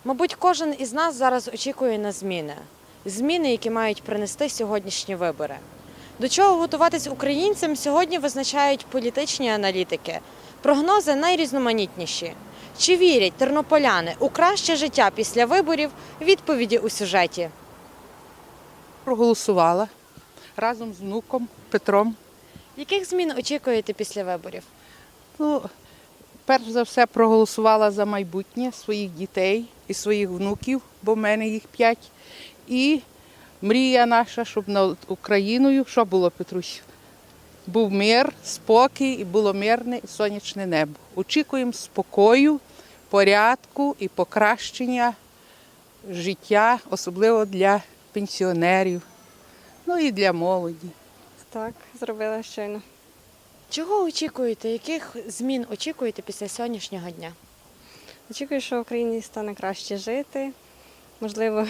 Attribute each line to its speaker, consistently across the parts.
Speaker 1: Мабуть, кожен із нас зараз очікує на зміни. Зміни, які мають принести сьогоднішні вибори. До чого готуватись українцям сьогодні визначають політичні аналітики. Прогнози найрізноманітніші. Чи вірять тернополяни у краще життя після виборів? Відповіді у сюжеті.
Speaker 2: Проголосувала разом з внуком Петром.
Speaker 1: Яких змін очікуєте після виборів?
Speaker 2: Перш за все проголосувала за майбутнє своїх дітей і своїх внуків, бо в мене їх 5. І мрія наша, щоб над Україною, що було, Петрусь? Був мир, спокій і було мирне і сонячне небо. Очікуємо спокою, порядку і покращення життя, особливо для пенсіонерів, і для молоді.
Speaker 3: Так, зробила щойно.
Speaker 1: Чого очікуєте? Яких змін очікуєте після сьогоднішнього дня?
Speaker 3: Очікую, що в Україні стане краще жити. Можливо,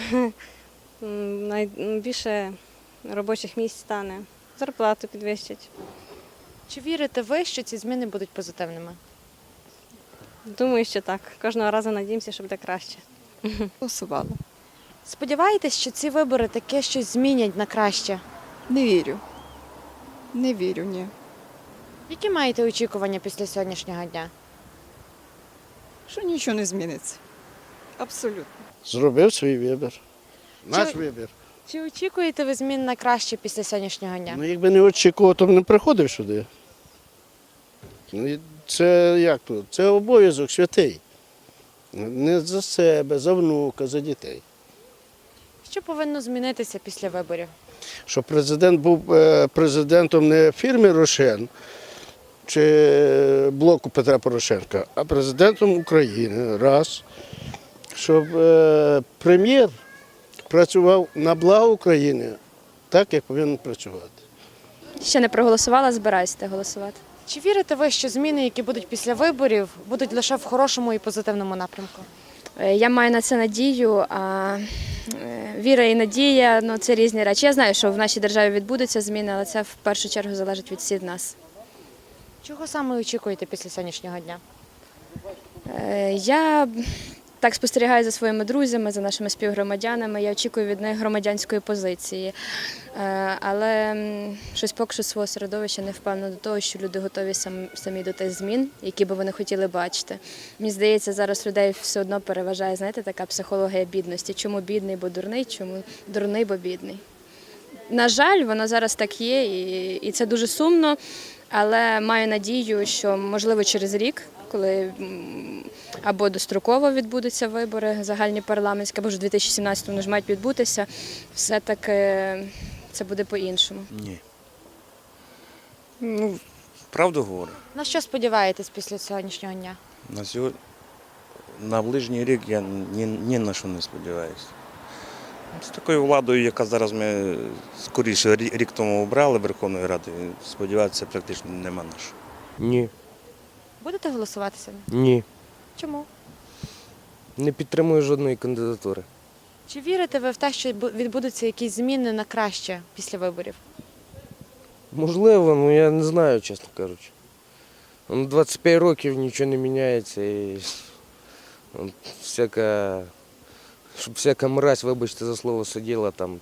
Speaker 3: більше робочих місць стане, зарплату підвищать.
Speaker 1: Чи вірите ви, що ці зміни будуть позитивними?
Speaker 3: Думаю, що так. Кожного разу надіємося, що буде краще.
Speaker 4: Голосувала.
Speaker 1: Сподіваєтесь, що ці вибори таке щось змінять на краще?
Speaker 4: Не вірю. Не вірю, ні.
Speaker 1: Які маєте очікування після сьогоднішнього дня?
Speaker 4: Що нічого не зміниться. Абсолютно.
Speaker 5: Зробив свій вибір. Наш вибір.
Speaker 1: Чи очікуєте ви змін на краще після сьогоднішнього дня?
Speaker 5: Ну, якби не очікував, то б не приходив сюди. Це як тут? Це обов'язок святий. Не за себе, за внука, за дітей.
Speaker 1: Що повинно змінитися після виборів?
Speaker 5: Щоб президент був президентом не фірми «Рошен» чи блоку Петра Порошенка, а президентом України. Раз. Щоб прем'єр працював на благо України, так, як повинен працювати.
Speaker 6: Ще не проголосувала, збираюся голосувати.
Speaker 1: Чи вірите ви, що зміни, які будуть після виборів, будуть лише в хорошому і позитивному напрямку?
Speaker 6: Я маю на це надію, а віра і надія – це різні речі. Я знаю, що в нашій державі відбудуться зміни, але це в першу чергу залежить від всіх нас.
Speaker 1: Чого саме очікуєте після сьогоднішнього дня?
Speaker 6: Я так спостерігаю за своїми друзями, за нашими співгромадянами. Я очікую від них громадянської позиції. Але щось поки що свого середовища не впевнена до того, що люди готові самі до тих змін, які би вони хотіли бачити. Мені здається, зараз людей все одно переважає, знаєте, така психологія бідності. Чому бідний, бо дурний, чому дурний, бо бідний. На жаль, воно зараз так є, і це дуже сумно, але маю надію, що, можливо, через рік, коли або достроково відбудуться вибори загальні парламентські, або ж у 2017-му вони ж мають відбутися, все-таки це буде по-іншому.
Speaker 7: Ні. Правду говорю.
Speaker 1: На що сподіваєтесь після сьогоднішнього дня?
Speaker 7: На ближній рік я ні на що не сподіваюся. З такою владою, яка зараз ми скоріше рік тому обрали Верховної Ради, сподіватися практично нема на що.
Speaker 8: Ні.
Speaker 1: Будете голосувати сьогодні?
Speaker 8: Ні.
Speaker 1: Чому?
Speaker 8: Не підтримую жодної кандидатури.
Speaker 1: Чи вірите ви в те, що відбудуться якісь зміни на краще після виборів?
Speaker 8: Можливо, але я не знаю, чесно кажучи. 25 років нічого не міняється і щоб всяка мразь, вибачте за слово, сиділа там,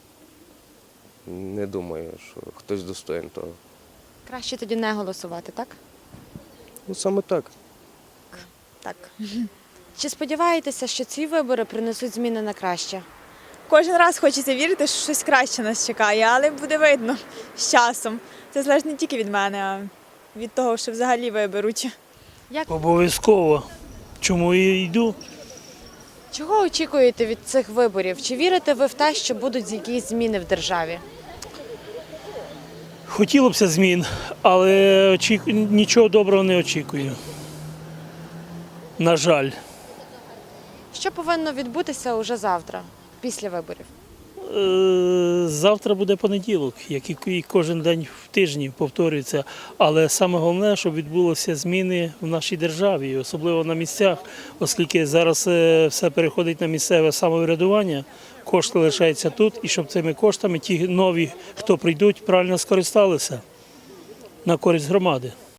Speaker 8: не думаю, що хтось достоїн того.
Speaker 1: Краще тоді не голосувати, так?
Speaker 8: Саме так.
Speaker 1: Так. Чи сподіваєтеся, що ці вибори принесуть зміни на краще?
Speaker 9: Кожен раз хочеться вірити, що щось краще нас чекає, але буде видно з часом. Це залежить не тільки від мене, а від того, що взагалі виберуть.
Speaker 10: Обов'язково. Чому я йду?
Speaker 1: Чого очікуєте від цих виборів? Чи вірите ви в те, що будуть якісь зміни в державі?
Speaker 10: Хотілося б змін, але нічого доброго не очікую. На жаль.
Speaker 1: Що повинно відбутися уже завтра, після виборів?
Speaker 10: Завтра буде понеділок, як і кожен день в тижні повторюється. Але саме головне, щоб відбулися зміни в нашій державі, особливо на місцях, оскільки зараз все переходить на місцеве самоврядування, кошти лишаються тут, і щоб цими коштами ті нові, хто прийдуть, правильно скористалися на користь громади.